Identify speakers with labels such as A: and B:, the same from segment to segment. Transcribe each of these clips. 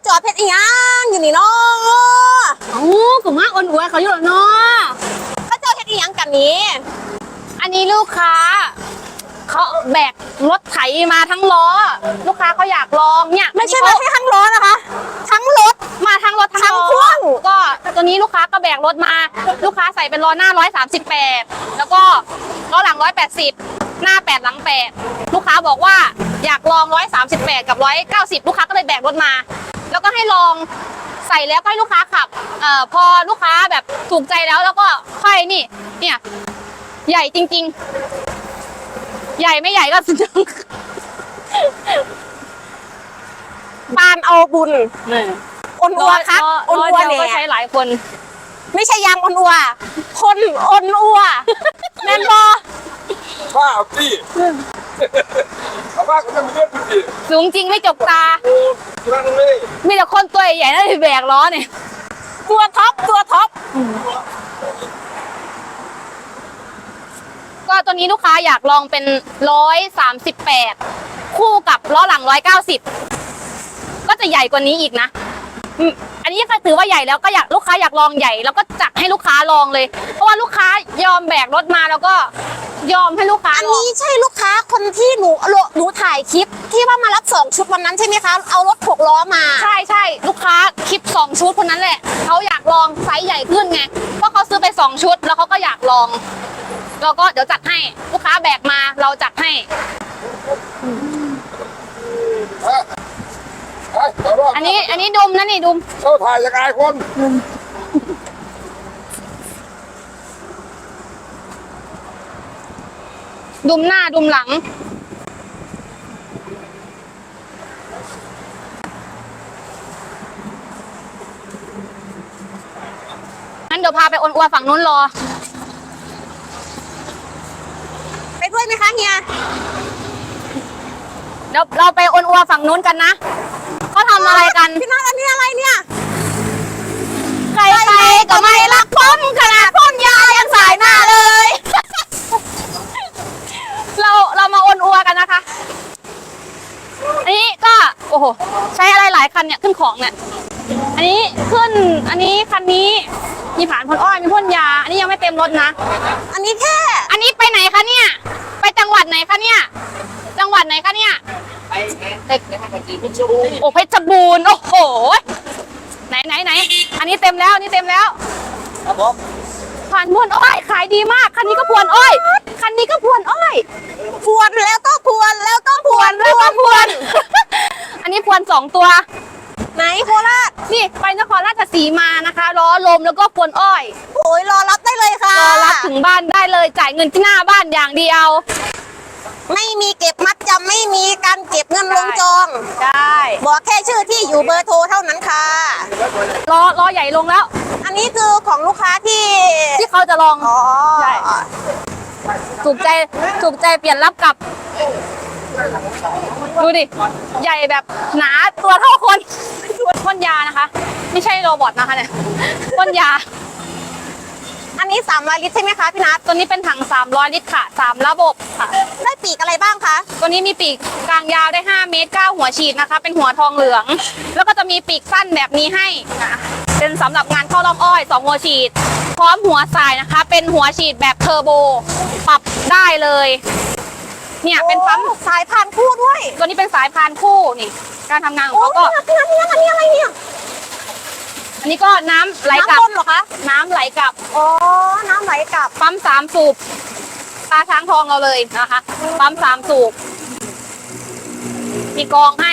A: จอดเพชรอีหยังอยู่นี่เนาะ
B: โอ้กลุ่มมากอ่อนอวยเขาอยู่หรอเนาะ
A: เขาเจอเพชรอีหยังกันนี้
B: อันนี้ลูกค้าเขาแบกรถไถมาทั้งล้อ ลูกค้าเขาอยากลองเนี่ย
A: ไม่ใช่มาแค่ทั้งล้อนะคะ ทั้งรถ
B: มาทั้งรถ
A: ทั้ง
B: ล้อ
A: พ่วง
B: ก็ตัวนี้ลูกค้าก็แบกรถมา ลูกค้าใส่เป็นล้อหน้า138แล้วก็ล้อหลัง180หน้า8หลัง8ลูกค้าบอกว่าอยากลอง138กับ190ลูกค้าก็เลยแบกรถมา แล้วก็ให้ลองใส่แล้วก็ให้ลูกค้าขับพอลูกค้าแบบถูกใจแล้วก็ค่อยนี่เนี่ยใหญ่จริงๆใหญ่ไม่ใหญ่ก็สุดยอด
A: ปานเอาบุญอนอัวครับอนอัว
B: เดียว
A: เนี่
B: ก็
A: ย
B: ใช้หลายคน
A: ไม่ใช่ยางอนอัว คนอนอัวแมนบอ
C: ข้าวพี่ชาวบ้านเขาจะมีเรื่องพี่
B: สูงจริงไม่จกตา
C: โอ้นั่งเลย
B: มีแต่คนตัวใหญ่ๆนั่นแบกล้อเนี่ย
A: ตัวท็อปตัวท็อป
B: ก็ตัวนี้ลูกค้าอยากลองเป็น138คู่กับล้อหลัง190ก็จะใหญ่กว่านี้อีกนะอันนี้ก็ถือว่าใหญ่แล้วก็อยากลูกค้าอยากลองใหญ่แล้วก็จัดให้ลูกค้าลองเลย เพราะว่าลูกค้ายอมแบกรถมาแล้วก็ยอมให้ลูกค้า
A: อัน
B: ลอง
A: นี้ใช่ลูกค้าคนที่หนูถ่ายคลิปที่ว่ามารับ2 ชุดวันนั้นใช่ไหมคะ เอารถ6 ล้อมา
B: ใช่ลูกค้าคลิป2 ชุดคนนั้นแหละเขาอยากลองไซส์ใหญ่ขึ้นไงเพราะเขาซื้อไป2 ชุดแล้วเขาก็อยากลองเราก็เดี๋ยวจัดให้ลูกค้าแบกมาเราจัดให้ อันนี้ดุมนะนี่ดุม
C: เข้าถ่ายยังไงคน
B: ดุมหน้าดุมหลังงั้นเดี๋ยวพาไปอ้วนอัวฝั่งนู้นรอ
A: ไปด้วยไหมคะเฮีย
B: เดี๋ยวเราไปอ้วนอัวฝั่งนู้นกันนะเขาทำอะไรกัน
A: พี่นัทอันนี้อะไรเนี่ย
B: ใครๆก็ไม่รักผมขนาดพ่นยายังสายหน้าเลย เรามาอ้วนอัวกันนะคะ อันนี้ก็โอ้โหใช้อะไรหลายคันเนี่ยขึ้นของเนี่ยอันนี้ขึ้นอันนี้คันนี้มีผ่านพ่นอ้อยมีพ่นยา อันนี้ยังไม่เต็มรถนะ
A: อันนี้แค่
B: อันนี้ไปไหนคะเนี่ย ไปจังหวัดไหนคะเนี่ย จังหวัดไหนคะเนี่ยโอ้เพชรบูรณ์โอ้โหไหนอันนี้เต็มแล้วอันนี้เต็มแล้ว
C: ครับผม
B: ผ่านพวนอ้อยขายดีมากคันนี้ก็พวนอ้อยคันนี้ก็พวนอ้อย
A: พวนแล้วก็พวนแล้วก็พวน
B: แล้วก็พวน อันนี้พวน2 ตัว
A: ไหนโคราช
B: นี่ไปนครราชสีมานะคะล้อลมแล้วก็พวนอ้อย
A: โอ้ยรอรับได้เลยค่ะ
B: รอรับถึงบ้านได้เลยจ่ายเงินที่หน้าบ้านอย่างเดียว
A: ไม่มีเก็บมัดจำไม่มีการเก็บเงินลงจอง
B: ได้
A: บอกแค่ชื่อที่อยู่เบอร์โทรเท่านั้นค่ะ
B: ล้อใหญ่ลงแล้ว
A: อันนี้คือของลูกค้าที่
B: ที่เขาจะลอง
A: อ๋อ
B: ใช่ ถูกใจเปลี่ยนรับกลับ ดูดิ ใหญ่แบบหนาตัวเท่าคนพ่นยานะคะ ไม่ใช่โรบอทนะคะเนี่ยพ่นยา
A: อันนี้300 ลิตรใช่ไหมคะพี่นัท
B: ตัวนี้เป็นถัง300 ลิตรค่ะ3ระบบค่ะ
A: ได้ปีกอะไรบ้างคะ
B: ตัวนี้มีปีกกลางยาวได้5 เมตร 9 หัวฉีดนะคะ เป็นหัวทองเหลือง แล้วก็จะมีปีกสั้นแบบนี้ให้นะเป็นสำหรับงานเข้าร่อมอ้อย2 หัวฉีด พร้อมหัวสายนะคะ เป็นหัวฉีดแบบเทอร์โบ ปรับได้เลย เนี่ยเป็นปั๊ม
A: โอ้สายพานคู่ด้วย
B: ตัวนี้เป็นสายพานคู่นี่ การทำงานของ
A: โอ้
B: เขาก็
A: พี่นัทอันนี้อะไรเนี่ย
B: อันนี้ก็น้ำไหลกลับ
A: น้ำวนเหรอคะ
B: น้ำไหลกลับ
A: อ๋อ น้ำไหลกลับ
B: ปั๊ม3 สูบตาช้างทองเราเลยนะคะ ปั๊ม3 สูบ มีกรองให้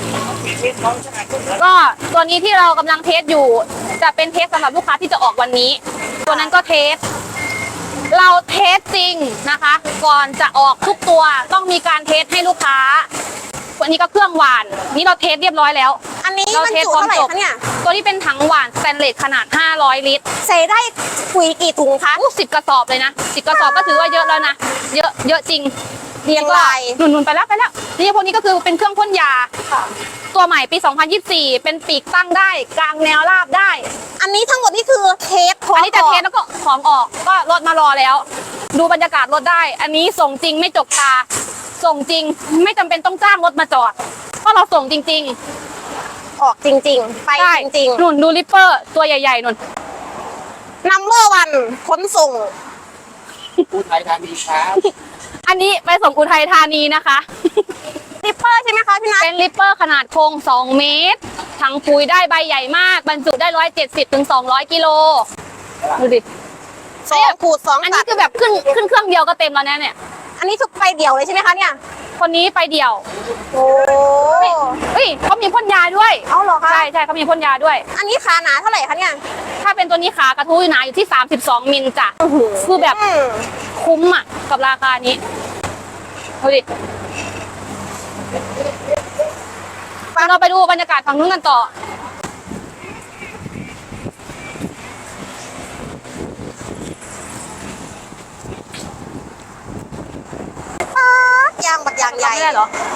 B: ก็ตัวนี้ที่เรากำลังเทสอยู่ จะเป็นเทสสำหรับลูกค้าที่จะออกวันนี้ ตัวนั้นก็เทส เราเทสจริงนะคะ ก่อนจะออกทุกตัวต้องมีการเทสให้ลูกค้าวันนี้ก็เครื่องหวาน นี่เราเทสเรียบร้อยแล้ว
A: อันนี้
B: เรา
A: มัน
B: เทส
A: จุ
B: พร้อม
A: เท่าไหร่
B: จบ
A: คะเนี่ย
B: ตัวนี้เป็นถังหวานสแตนเลสขนาด500 ลิตร
A: ใส่ได้ปุ๋ยกี่ถุงคะ
B: 10 กระสอบเลยนะ10 กระสอบก็ถือว่าเยอะแล้วนะ เยอะจริง
A: เรียงราย
B: หนุนไปแล้วนี่พวกนี้ก็คือเป็นเครื่องพ่นยา ตัวใหม่ปี 2024 เป็นปีกตั้งได้ กลางแนวราบได้
A: อันนี้ทั้งหมดนี่คือเทสพร้อ
B: อัน
A: ม
B: นี้จะเทสแล้วก็ของออกก็รถมารอแล้ว ดูบรรยากาศรถได้ อันนี้ส่งจริงไม่จกตา ส่งจริงไม่จำเป็นต้องจ้างรถมาจอดเพราะเราส่งจริง
A: ออกจริง ๆ ไป
B: ใช่
A: จริง
B: นุ่นดูริปเปอร์ตัวใหญ่ๆนุ่น
A: ๆนัมเบอร์วันขนส่ง
C: ผู้ไทยทางดีครับ
B: อันนี้ไปส่งอุทัยธานีนะคะ
A: ริปเปอร์ใช่ไหมคะพี่นัท
B: เป็นริปเปอร์ขนาดโครง2 เมตรถังปุ๋ยได้ใบใหญ่มาก บรรจุได้170 ถึง 200 กิโล ดูดิ
A: 2 ขูด 2
B: อัน
A: ตั
B: นี้
A: ด
B: คือแบบขึ้นเครื่องเดียวก็เต็มแล้วนะเนี่ย
A: อันนี้ทุกไปเดี่ยวเลยใช่ไหมคะเนี่ย
B: คนนี้ไปเดี่ยว
A: โอ้
B: เฮ้ยเขามีพ่นยาด้วย
A: เอาเหรอคะ
B: ใช่ใช่เขามีพ่นยาด้วย
A: อันนี้ขาหนาเท่าไหร่คะเนี่ย
B: ถ้าเป็นตัวนี้ขากระทู้หนาอยู่ที่ 32 มิลจ้ะ คือแบบ
A: อืม
B: คุ้มอ่ะ กับราคานี้ ดูดิเราไปดูบรรยากาศฝั่งนู้นกันต่อ
A: ยางบักยางใหญ่
B: ไม่ได้เหรอ